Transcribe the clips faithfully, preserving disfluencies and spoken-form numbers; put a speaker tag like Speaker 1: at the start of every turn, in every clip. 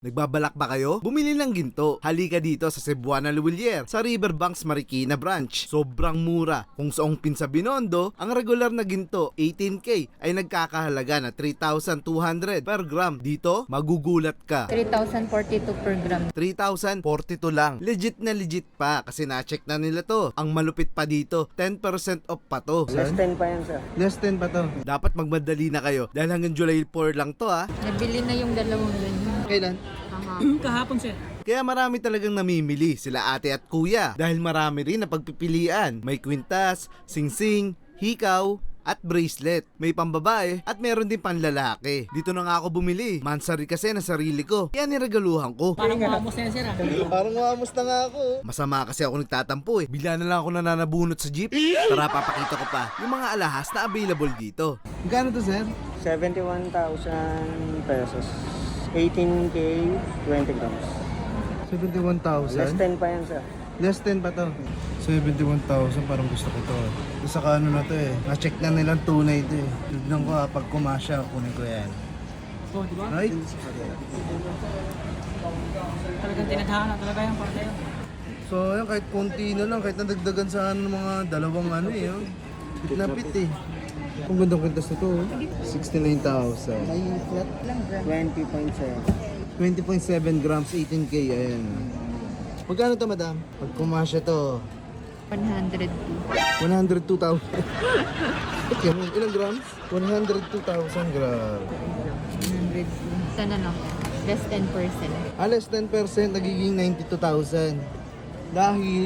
Speaker 1: Nagbabalak ba kayo? Bumili ng ginto. Halika dito sa Cebuana Luwilier sa Riverbanks Marikina branch. Sobrang mura. Kung saong Pinsa Binondo, ang regular na ginto eighteen K ay nagkakahalaga na three thousand two hundred per gram. Dito, magugulat ka.
Speaker 2: three thousand forty-two per gram.
Speaker 1: three thousand forty-two lang. Legit na legit pa kasi na-check na nila to. Ang malupit pa dito, ten percent off pa to.
Speaker 3: Less ten pa yan, sir.
Speaker 1: Less ten pa to. Dapat magmadali na kayo dahil hanggang July four lang to ha.
Speaker 2: Nabili na yung dalawang yun.
Speaker 1: Kailan?
Speaker 2: Aha.
Speaker 3: Kahapon, sir.
Speaker 1: Kaya marami talagang namimili sila ate at kuya dahil marami rin na pagpipilian. May kwintas, singsing, hikaw, at bracelet. May pambabae at meron din panlalaki. Dito na nga ako bumili. Mansari kasi na sarili ko. Kaya niregaluhan ko.
Speaker 3: Parang mamos na yan, sir. ah.
Speaker 1: Parang mamos na nga ako. Masama kasi ako nagtatampo eh. Bigla na lang ako nananabunot sa jeep. Tara, papakita ko pa yung mga alahas na available dito. Magkano to, sir?
Speaker 3: seventy-one thousand pesos. eighteen K, twenty grams.
Speaker 1: seventy-one
Speaker 3: Less ten pa yan, sir.
Speaker 1: Less ten pa to. seventy-one thousand, parang gusto ko to eh. Saka ano na to eh. Na-check na nilang tunay to eh. Tignan ko ha, pag kumasya, kunin ko yan.
Speaker 3: So, di ba?
Speaker 1: Right?
Speaker 3: Talagang tinadhana talaga yung para sa'yo.
Speaker 1: So yan, kahit konti na lang, kahit nadagdagan sa ano, mga dalawang ano eh. Oh. Pit na pit eh. Kung gandang kwintas na to, oh. sixty-nine thousand.
Speaker 3: twenty point seven.
Speaker 1: twenty point seven grams, eighteen K, ayan. Magkano to, madam? Pag kumasya to,
Speaker 2: one hundred two.
Speaker 1: one hundred two thousand. Okay, ilang grams? one hundred two thousand grams.
Speaker 2: one hundred two. Sana lang. Less ten percent.
Speaker 1: Ah, less ten percent, nagiging ninety-two thousand. Dahil,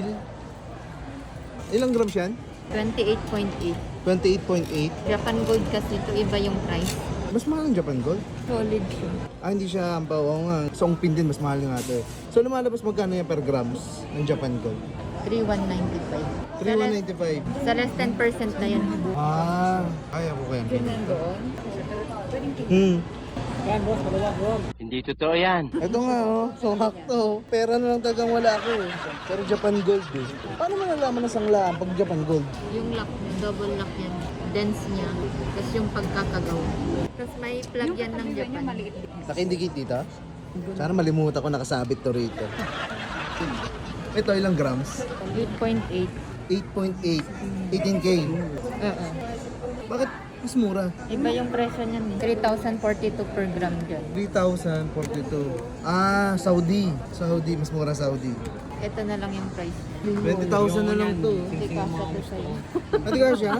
Speaker 1: ilang grams yan?
Speaker 2: twenty-eight point eight.
Speaker 1: twenty-eight point eight.
Speaker 2: Japan Gold kasi ito iba yung price.
Speaker 1: Mas mahal ang Japan Gold.
Speaker 2: Solid siya.
Speaker 1: Ah, hindi siya ang bawa nga. Sa Ongpin din, mas mahal nga ito. So, lumalabas magkano yan per grams ng Japan Gold?
Speaker 2: three thousand one hundred ninety-five.
Speaker 1: three thousand one hundred ninety-five.
Speaker 2: Sa less ten percent na yan.
Speaker 1: Ah, kaya ko kaya.
Speaker 2: Doon.
Speaker 1: Hmm.
Speaker 3: Yan, boss. Maluwag, bro.
Speaker 4: Hindi totoo yan.
Speaker 1: Ito nga, oh. So, hakto. Pera na lang talagang wala ako eh. Pero Japan Gold eh. Paano mo nalaman na sanglaan pag Japan Gold?
Speaker 2: Yung lock, double lock yan. Dense niya. Tapos yung pagkakagaw. Tapos may plug yan ng Japan.
Speaker 1: Naka-indicate dito? Sana malimutan ko nakasabit to rito. Ito, ilang grams?
Speaker 2: eight point eight.
Speaker 1: eight point eight. eighteen K.
Speaker 2: Oo.
Speaker 1: Bakit mas mura?
Speaker 2: Iba yung presyo niyan. eh. three thousand forty-two per gram dyan.
Speaker 1: three thousand forty-two. Ah, Saudi. Saudi, mas mura Saudi.
Speaker 2: Ito na lang yung price.
Speaker 1: twenty thousand na lang to.
Speaker 2: Hindi kasha to sa'yo.
Speaker 1: Ate ka siya?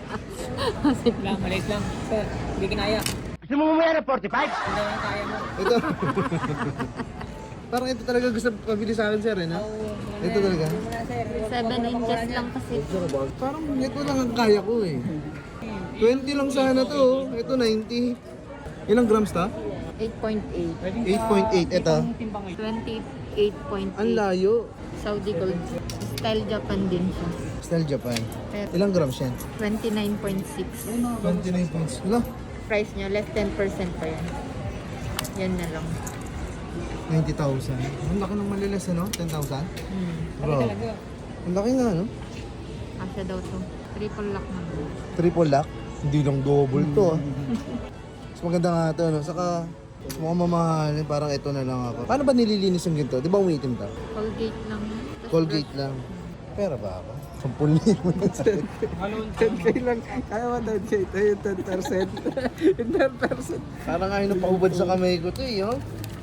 Speaker 3: Lang, maliit lang. Sir, hindi kinaya.
Speaker 4: Gusto mo mamaya ng forty-five?
Speaker 3: Hindi na kaya mo.
Speaker 1: Ito. Parang ito talaga gusto pabili sa akin, sir, eh, no? Ito talaga.
Speaker 2: seven inches lang kasi.
Speaker 1: Parang ito lang ang kaya ko, eh. twenty lang sana to, oh. Ito ninety. Ilang grams ta?
Speaker 2: eight point eight.
Speaker 1: eight point eight. Ito.
Speaker 3: Timbang eh.
Speaker 2: twenty-eight point
Speaker 1: Ang
Speaker 2: eight.
Speaker 1: layo.
Speaker 2: Saudi Gold. Style Japan din siya.
Speaker 1: Style Japan.
Speaker 2: Pero
Speaker 1: Ilang grams yan?
Speaker 2: twenty-nine point six.
Speaker 1: twenty-nine points. Wala.
Speaker 2: Price niya, less ten percent pa yan. Yan na lang.
Speaker 1: ninety thousand. Ang laki ng malilas, ano? ten thousand?
Speaker 2: Hmm.
Speaker 1: Bro. Ang laki nga, no?
Speaker 2: Kasha daw to. Triple lock na.
Speaker 1: Triple lock. Hindi lang double to, ah. Mas maganda nga to, no? Saka, mas mukhang mamahalin. Parang ito na lang ako. Paano ba nililinis yung ginto? Di ba umiitim ta?
Speaker 2: Colgate lang yan. Tapos
Speaker 1: Colgate lang. Pera ba ako? Sampun libo na sa
Speaker 3: ten K lang.
Speaker 5: Kaya mo ten K, ito yung ten percent. Yung ten percent.
Speaker 1: Parang ayaw na paubad sa kamay ko to, eh, oh.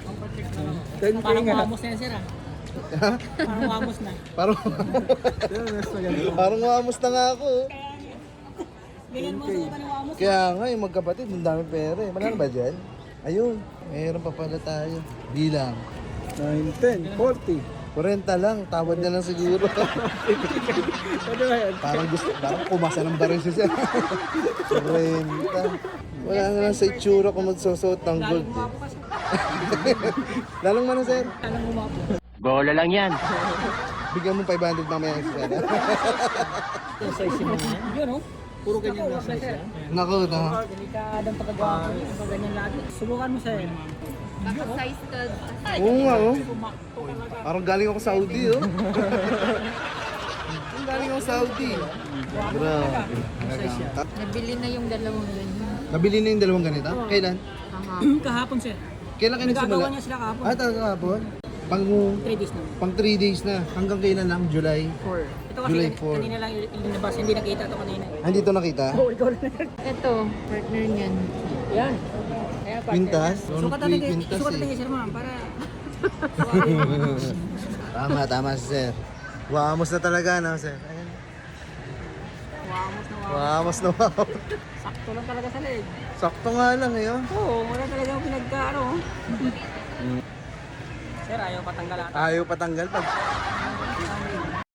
Speaker 5: ten K
Speaker 3: Parang
Speaker 5: nga.
Speaker 3: mamos na yan, sir. ah. Parang mamos na.
Speaker 1: Parang,
Speaker 5: Yan, mas maganda.
Speaker 1: parang mamos na nga ako, oh.
Speaker 3: Ganyan mo sa ni mamos.
Speaker 1: Kaya nga, yung magkapatid, ang dami pera, eh. Malano ba dyan? Ayun, mayroon pa pala tayo. Bilang.
Speaker 5: nine, ten, forty.
Speaker 1: forty lang, tawad na lang siguro.
Speaker 5: Ano ba yan?
Speaker 1: Parang gusto, parang kumasa ng baril siya. forty. Wala na lang sa itsura kung magsusot ng gold, eh. Lalong man na, sir.
Speaker 3: Anong umapo?
Speaker 4: Bola lang yan.
Speaker 1: Bigyan mo five hundred mamaya, sir.
Speaker 3: Ito, size mo yan. Yun, oh. Puro ganyan lang size yan.
Speaker 1: Naku, na.
Speaker 3: Delikadang pagkagawa ko. Pag ganyan lagi. Subukan mo, sir.
Speaker 2: baka size ka.
Speaker 1: Oo nga, oh. Parang galing ako Saudi, oh. Parang galing ako Saudi. Grabe.
Speaker 2: Nabili na yung dalawang yun.
Speaker 1: Nabili na yung dalawang ganito? Kailan?
Speaker 2: Aha.
Speaker 3: Kahapon, sir.
Speaker 1: Kailan kayo
Speaker 3: Nagagawa
Speaker 1: nagsimula?
Speaker 3: niya sila kahapon.
Speaker 1: Ah, talaga hapon? Pang,
Speaker 3: three days na.
Speaker 1: pang three days na. Hanggang kailan lang? July?
Speaker 3: four. Ito kasi
Speaker 1: July
Speaker 3: kan-
Speaker 1: four.
Speaker 3: kanina lang ilinabas, hindi nakita ito kanina.
Speaker 1: Ah, hindi ito nakita?
Speaker 3: Oo, ikaw rin.
Speaker 2: Ito, partner niyan.
Speaker 3: Yan. Ayan, partner.
Speaker 1: Quintas?
Speaker 3: Sukat
Speaker 1: Ano
Speaker 3: natin,
Speaker 1: quintas
Speaker 3: sukat
Speaker 1: eh?
Speaker 3: natin sir ma'am, para...
Speaker 1: Tama, tama si sir. Wamos na talaga, no, sir? Ayan.
Speaker 3: Wamos na wamos.
Speaker 1: Wamos na wow.
Speaker 3: Sakto lang talaga sa leg.
Speaker 1: Sakto nga lang, eh, oh.
Speaker 3: Oo, wala talaga pinagka ano. Sir, ayaw patanggal ata.
Speaker 1: Ayaw patanggal. Pag,